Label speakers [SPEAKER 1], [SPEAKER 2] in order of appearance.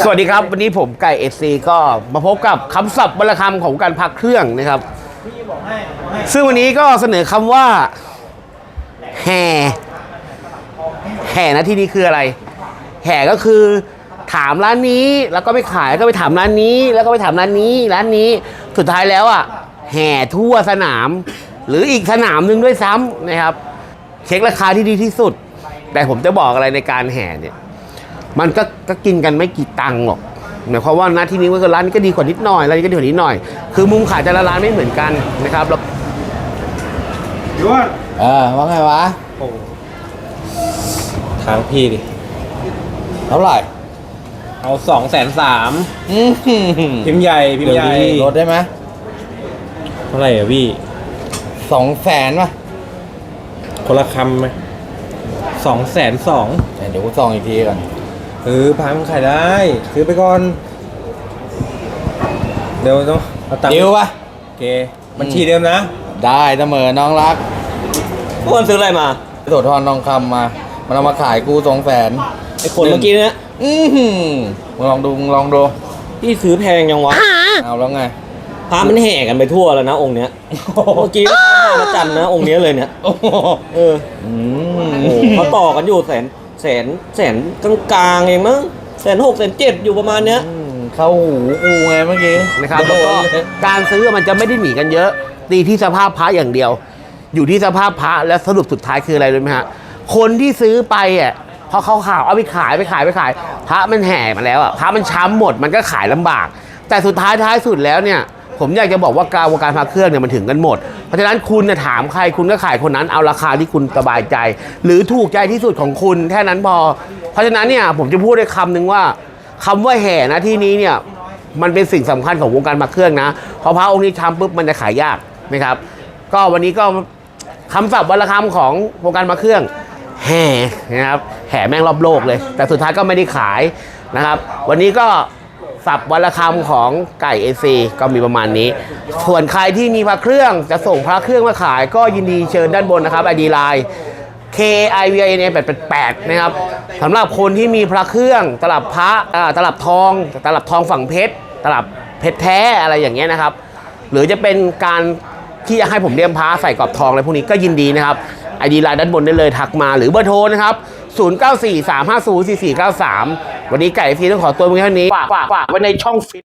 [SPEAKER 1] สวัสดีครับวันนี้ผมไก่เอซีก็มาพบกับคำศัพท์วรรณคำของการพักเครื่องนะครับซึ่งวันนี้ก็เสนอคำว่าแห่นะที่นี้คืออะไรแห่ก็คือถามร้านนี้แล้วก็ไปขายก็ไปถามร้านนี้แล้วก็ไปถามร้านนี้สุดท้ายแล้วอ่ะแห่ทั่วสนามหรืออีกสนามหนึ่งด้วยซ้ำนะครับเช็คราคาที่ดีที่สุดแต่ผมจะบอกอะไรในการแห่เนี่ยมันก็กินกันไม่กี่ตังค์หรอกหมายความว่านะที่นี้ว่าร้านนี้ก็ดีกว่านิดหน่อยร้านนี้ก็ดีกว่านิดหน่อยคือมุมขายแต่ละร้านไม่เหมือนกันนะครับแล้ว
[SPEAKER 2] ยวน
[SPEAKER 3] ว่าไงวะ
[SPEAKER 2] โอ้ทางพี่ดิ
[SPEAKER 3] เท่าไหร่
[SPEAKER 2] เอา230,000พิมพ์ใหญ่
[SPEAKER 3] ลดได้ไหม
[SPEAKER 2] เท่าไหร่อ่ะพี่
[SPEAKER 3] 200,000ป่ะ
[SPEAKER 2] คนละคำไหม220,000
[SPEAKER 3] เดี๋ยวกูส่องอีกทีก่อน
[SPEAKER 2] พังขายได้ซื้อไปก่อนเดี๋ยวต้องเอาตังค์
[SPEAKER 3] ดิวป่ะ
[SPEAKER 2] โอเคบัญชีเดิมนะ
[SPEAKER 3] ได้เสมอน้องรัก
[SPEAKER 2] พวกมันซื้ออะไรมา
[SPEAKER 3] โสธรทองคำมามันเอามาขายกู200,000
[SPEAKER 2] ไอ้คนเมื่อกี้เนี่ย
[SPEAKER 3] มึงลองดู
[SPEAKER 2] พี่ซื้อแพงยังวะ
[SPEAKER 3] เอาแล้วไง
[SPEAKER 2] พามันแห่กันไปทั่วแล้วนะองค์เนี้ยเมื่อกี้พระจันทร์นะองค์เนี้ยเลยเนี่ยเขาต่อกันอยู่แสนกลางๆเองมั้ง160,000 170,000อยู่ประมาณเนี้ย
[SPEAKER 3] เข้าหูกูไงเมื่อกี้
[SPEAKER 1] นะครับแล้วก็การซื้อมันจะไม่ได้หนีกันเยอะตีที่สภาพพระอย่างเดียวอยู่ที่สภาพพระและสรุปสุดท้ายคืออะไรรู้ไหมฮะคนที่ซื้อไปอ่ะพอเขาข่าวเอาไปขายพระมันแห่มาแล้วอ่ะพระมันช้ำหมดมันก็ขายลำบากแต่สุดท้ายสุดแล้วเนี่ยผมอยากจะบอกว่าการวงการพระเครื่องเนี่ยมันถึงกันหมดเพราะฉะนั้นคุณเนี่ยถามใครคุณก็ขายคนนั้นเอาราคาที่คุณสบายใจหรือถูกใจที่สุดของคุณแค่นั้นพอเพราะฉะนั้นเนี่ยผมจะพูดได้คำหนึ่งว่าคำว่าแห่นะที่นี้เนี่ยมันเป็นสิ่งสำคัญของวงการพระเครื่องนะพอพระองค์นี้ช้ำปุ๊บมันจะขายยากนะครับก็วันนี้ก็คำศัพท์วรรณคำของวงการพระเครื่องแห่นะครับแห่แม่งรอบโลกเลยแต่สุดท้ายก็ไม่ได้ขายนะครับวันนี้ก็ศัพท์วรรณคำของไก่เอซีก็มีประมาณนี้ส่วนใครที่มีพระเครื่องจะส่งพระเครื่องมาขายก็ยินดีเชิญด้านบนนะครับ ID Line KIVIN 888นะครับสำหรับคนที่มีพระเครื่องตลับพระตลับทองฝั่งเพชรตลับเพชรแท้อะไรอย่างเงี้ยนะครับหรือจะเป็นการที่จะให้ผมเลี่ยมพระใส่กรอบทองอะไรพวกนี้ก็ยินดีนะครับ ID Line ด้านบนได้เลยทักมาหรือเบอร์โทรนะครับ0943504493วันนี้ไก่เอซีต้องขอตัวเพียงเท่านี้ฝากไว้ในช่องฟิต